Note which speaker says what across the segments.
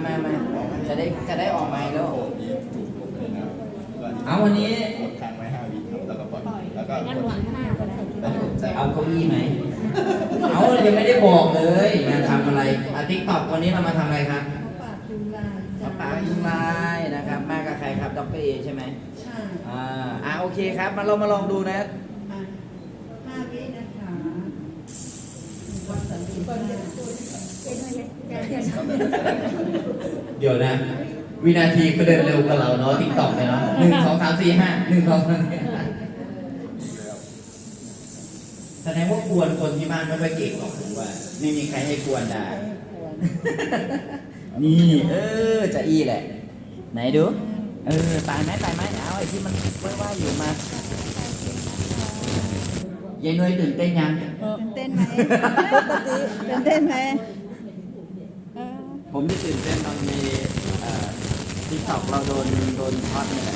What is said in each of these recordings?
Speaker 1: มาจะได้ออกไมค์แล้ว เอาวันนี้กดค้างไว้5 วิครับแล้วก็ปล่อยแล้วก็งั้นหวัง5ก็ได้เอาเก้าอี้ไหมเอายังไม่ได้บอกเลยมาทำอะไรติ๊กต็อกวันนี้เรามาทำอะไรครับปากยุงลายนะครับมากับใครครับดร.เอใช่ไหมใช่โอเคครับเรามาลองดูนะ
Speaker 2: 5 วินะคะ
Speaker 1: เดี๋ยวนะวินาทีก็เดินเร็วกว่าเราเนาะติ๊กต็อกเลยเนาะ1 2 3 4 5แสดงว่ากวนคนที่บ้านไม่ค่อยเก่งหรอกผมว่าไม่มีใครให้กวนได้นี่จะอี้แหละไหนดูตายไหมเอาไอ้ที่มันว่ายๆอยู่มายายนุ้ยตื่นเต้นยัง
Speaker 2: ตื่นเต้นไหมปกติตื่นเต้นไหม
Speaker 1: ผมที่ตื่นเต้นตอนมีติ๊กต็อกเราโดนช็อตนี่แหละ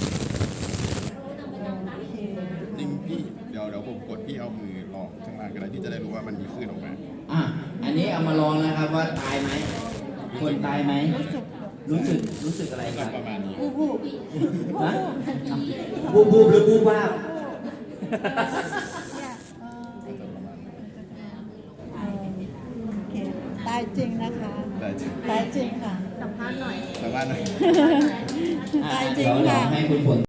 Speaker 3: จริงพี่เดี๋ยวผมกดพี่เอามือลองข้างล่างก็ได้พี่จะได้รู้ว่ามันมีคลื่นออกมา
Speaker 1: อันนี้เอามาลองนะครับว่าตายไหมคนตายไหมรู้สึกอะไรครับ
Speaker 3: ประมาณนี้
Speaker 2: บูบ
Speaker 1: หรือบูบ้า
Speaker 2: ตายจริงนะคะตายจริงค่ะสัมภาษณ์หน่อย
Speaker 3: ตายจริง
Speaker 2: ค่ะ
Speaker 1: ให้คุณฝน